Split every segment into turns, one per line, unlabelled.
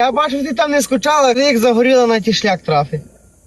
Я бачу, ти там не скучала, ти як загоріла на ті шлях трафи.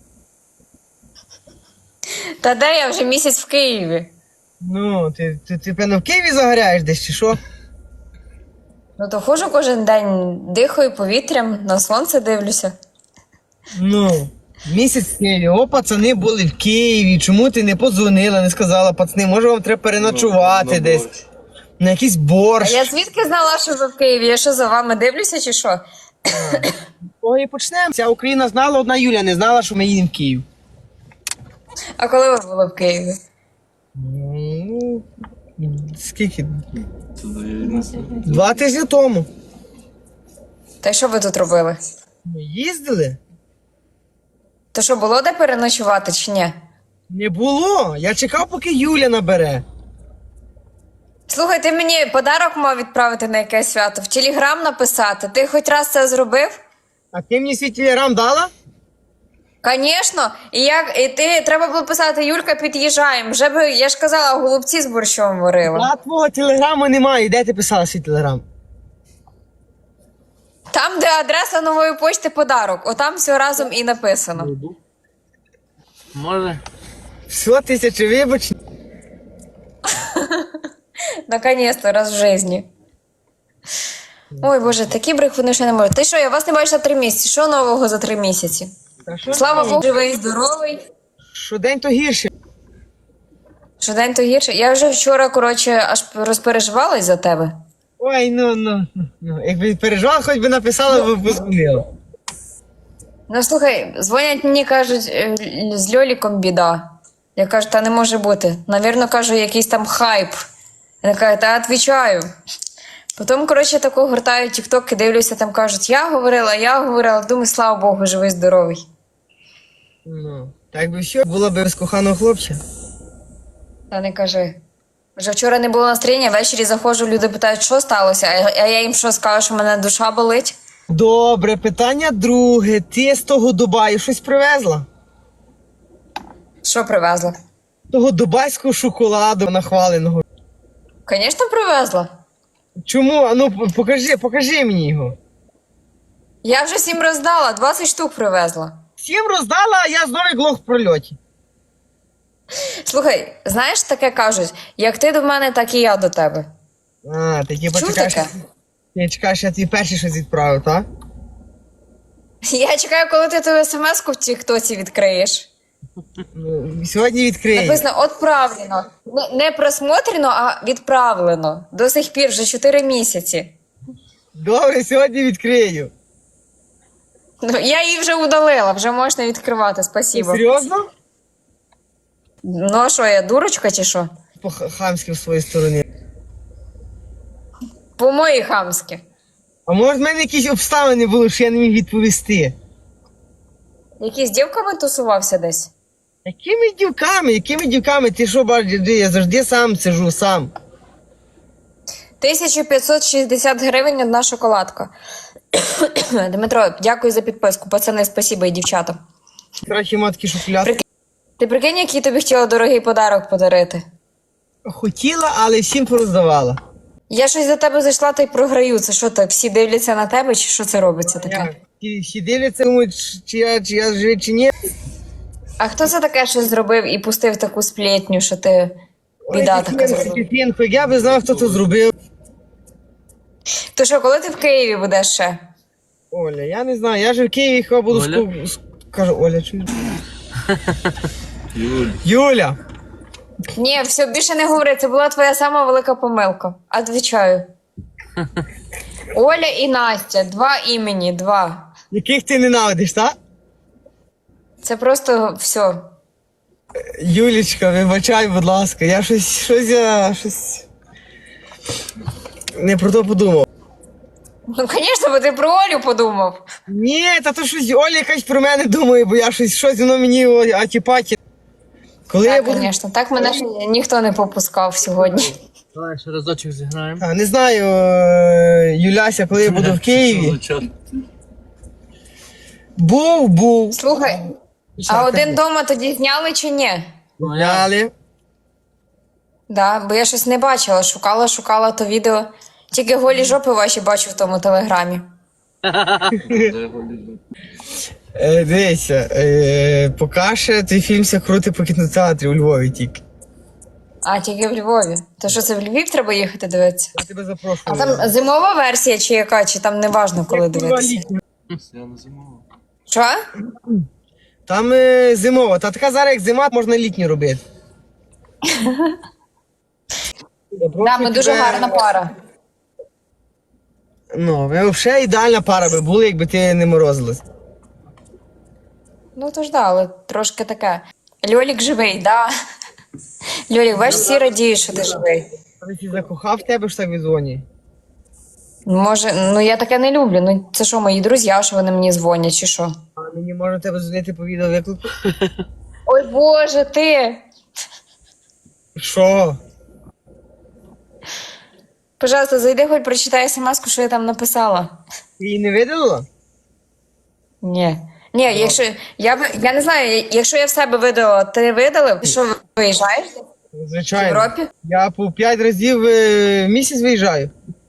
Та де я вже місяць в Києві?
Ну, ти певно в Києві загоряєш десь чи що?
Ну то ходжу кожен день, дихаю повітрям, на сонце дивлюся.
Ну, місяць в Києві. О, пацани були в Києві. Чому ти не подзвонила, не сказала, пацани, може вам треба переночувати десь? На якийсь
А
борщ.
я звідки знала, що ви в Києві? Я що, за вами дивлюся чи що?
Ой, і почнемо. Вся Україна знала, одна Юля не знала, що ми їдемо в Київ.
А коли ви були в Києві?
Ну, скільки? 2 тижні тому.
Та й що ви тут робили?
Ми їздили?
То що, було де переночувати чи ні?
Не було. Я чекав, поки Юля набере.
Слухай, ти мені подарок мав відправити на якесь свято, в Телеграм написати. Ти хоч раз це зробив?
А ти мені свій телеграм дала?
Звісно. І ти треба було писати, Юлька, під'їжджаємо. Вже би, я ж казала, голубці з борщом варила.
А твого телеграму немає. Де ти писала свій телеграм?
Там, де адреса нової почти подарок, отам все разом і написано.
Може?
Все, 1000 вибач.
Наконец-то, раз в житті. Ой, Боже, такі брехуни ще не можуть. Ти що, я вас не бачила 3 місяці. Що нового за 3 місяці?
Та що
Слава
ти?
Богу, живий, здоровий.
Щодень то гірше.
Щодень то гірше. Я вже вчора, коротше, аж розпереживалась за тебе.
Ой, ну. Якби переживала, хоч би написала, би позвонила.
Ну, слухай, дзвонять мені, кажуть, з Льоліком біда. Я кажу, та не може бути. Навірно, кажу, якийсь там хайп. Я кажу, та відповідаю. Потім, коротше, тако гортаю тік-ток, дивлюся, там кажуть, я говорила. Думаю, слава Богу, живий, здоровий.
Ну, так би що, було б без коханого хлопця.
Та не кажи. Вже вчора не було настроєння, ввечері заходжу, люди питають, що сталося, а я їм що скажу, що в мене душа болить.
Добре, питання друге. Ти з того Дубаю щось привезла?
Що привезла?
Того дубайського шоколаду нахваленого.
Звісно, привезла.
Чому? А ну покажи мені його.
Я вже 7 роздала, 20 штук привезла.
7 роздала, а я знову глох в прольоті.
Слухай, знаєш, таке кажуть, як ти до мене, так і я до тебе.
А, ти типа
Чув
чекаєш,
таке?
ти чекаєш, я тобі перший щось відправив, так?
Я чекаю, коли ти ту смс-ку в тіктоці відкриєш.
Ну, сьогодні відкриє.
Написано «Отправлено». Не просмотрено, а відправлено. До сих пір, вже 4 місяці.
Добре, сьогодні відкрию.
Ну, я її вже удалила, вже можна відкривати, спасибо.
Серйозно?
Ну а що, я дурочка чи що?
По-хамськи в своїй стороні.
По-моїй хамськи.
А може в мене якісь обставини були, що я не міг відповісти?
Який з дівками тусувався десь?
Якими дівками? Ти що бачиш, я завжди сам сижу, сам.
1560 гривень одна шоколадка. Дмитро, дякую за підписку. Пацани, спасибо і дівчатам.
Коротше, матки шоколад.
Ти прикинь, який тобі хотіла дорогий подарок подарити?
Хотіла, але всім пороздавала.
Я щось за тебе зайшла та й програю. Це що так, всі дивляться на тебе, чи що це робиться таке?
Всі дивляться, думають, чи я живий, чи ні.
А хто це таке щось зробив і пустив таку сплетню, що ти біда така зробила?
Я би знав, хто це зробив.
То що, коли ти в Києві будеш ще?
Оля, я не знаю, я же в Києві хіба буду
Оля?
Кажу, Оля, чуєш? Юля!
Ні, все, більше не говори, це була твоя сама велика помилка. Отвічаю. Оля і Настя, 2 імені, 2.
Яких ти ненавидиш, так?
Це просто все.
Юлічка, вибачай, будь ласка, я щось не про то подумав.
Ну, звісно, бо ти про Олю подумав.
Ні, та то щось Оля якась про мене думає, бо я щось воно мені атіпаті. Коли я
Так,
буду...
звісно, так мене ще ніхто не попускав сьогодні.
Давай ще разочок зіграємо.
А, не знаю, Юляся, коли я буду в Києві. Був.
Слухай, а один дома тоді зняли чи ні?
Гуляли.
Да, бо я щось не бачила, шукала то відео. Тільки голі жопи ваші бачу в тому телеграмі.
Дивися, поки ще той фільм ся крути по кінотеатрі у Львові тільки.
А, тільки в Львові. То що це в Львів треба їхати дивитися?
Я тебе
А
запрошую.
там зимова версія чи яка, чи там не важно, коли дивитися?
Я не зимова.
Що?
Там зимова, та така зараз як зима, можна літню робити.
Да, ми дуже гарна пара.
Ну, ви взагалі ідеальна пара би були, якби ти не морозилась.
Ну то ж да, але трошки таке. Льолік живий, да. Льолік, бачиш, всі радіють, що ти живий.
Ти ті закохав в тебе ж так відзвонює.
Може, ну я таке не люблю. Ну це що, мої друзі, що вони мені дзвонять, чи що?
А мені можна тебе дзвонити по відеовиклику?
Ой Боже, ти!
Що?
Пожалуйста, зайди, хоч прочитай смс-ку, що я там написала.
Ти її не видалила?
Ні. Ні, якщо я не знаю, якщо я в себе видала, ти видалив? Ти що, виїжджаєш в
Звичайно.
Європі?
Я по 5 разів в місяць виїжджаю.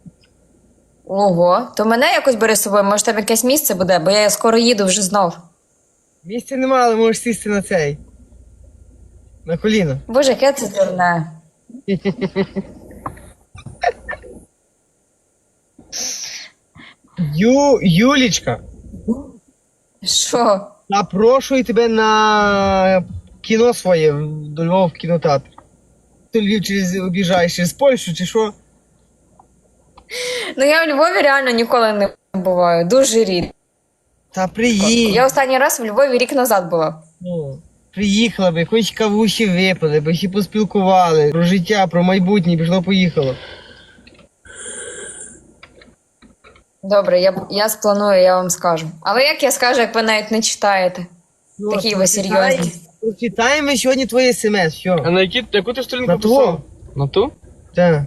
Ого, то мене якось бери з собою, може там якесь місце буде, бо я скоро їду вже знов.
Місця немає, але можеш сісти на цей. На коліно.
Боже, яке це дурне.
Юлічка,
Що?
запрошую тебе на кіно своє до Львова в кінотеатр. Ти Львів об'їжджаєш через Польщу чи що?
Ну я в Львові реально ніколи не буваю, дуже рідко.
Та приїдь.
Я останній раз в Львові рік назад була.
Ну, приїхала би, хоч кавухи випили, би ще поспілкували. Про життя, про майбутнє, пішло-поїхало.
Добре, я спланую, я вам скажу. Але як я скажу, як ви навіть не читаєте?
Ну,
Такі ви серйозні.
Прочитаємо сьогодні твоє смс,
А
що?
на яку ти сторінку
На
писав?
ту?
На ту?
Так.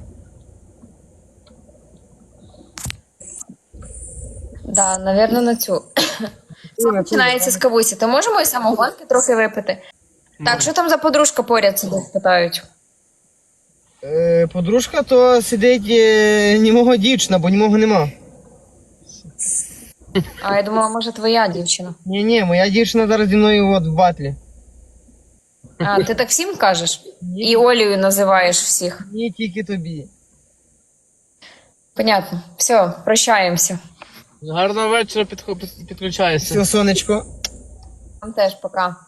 Да, напевно, на цю. Це починається з кавусі. То можемо і самогонки трохи випити? Так, що там за подружка поряд сидить, питають?
Подружка то сидить німого дівчина, бо німого нема.
А я думала, може, твоя дівчина.
Ні, моя дівчина зараз зі мною от в батлі.
А, ти так всім кажеш? І Олею називаєш всіх.
Ні, тільки тобі.
Понятно. Все, прощаємося.
Гарного вечора, підключайся.
Все, сонечко.
Вам теж пока.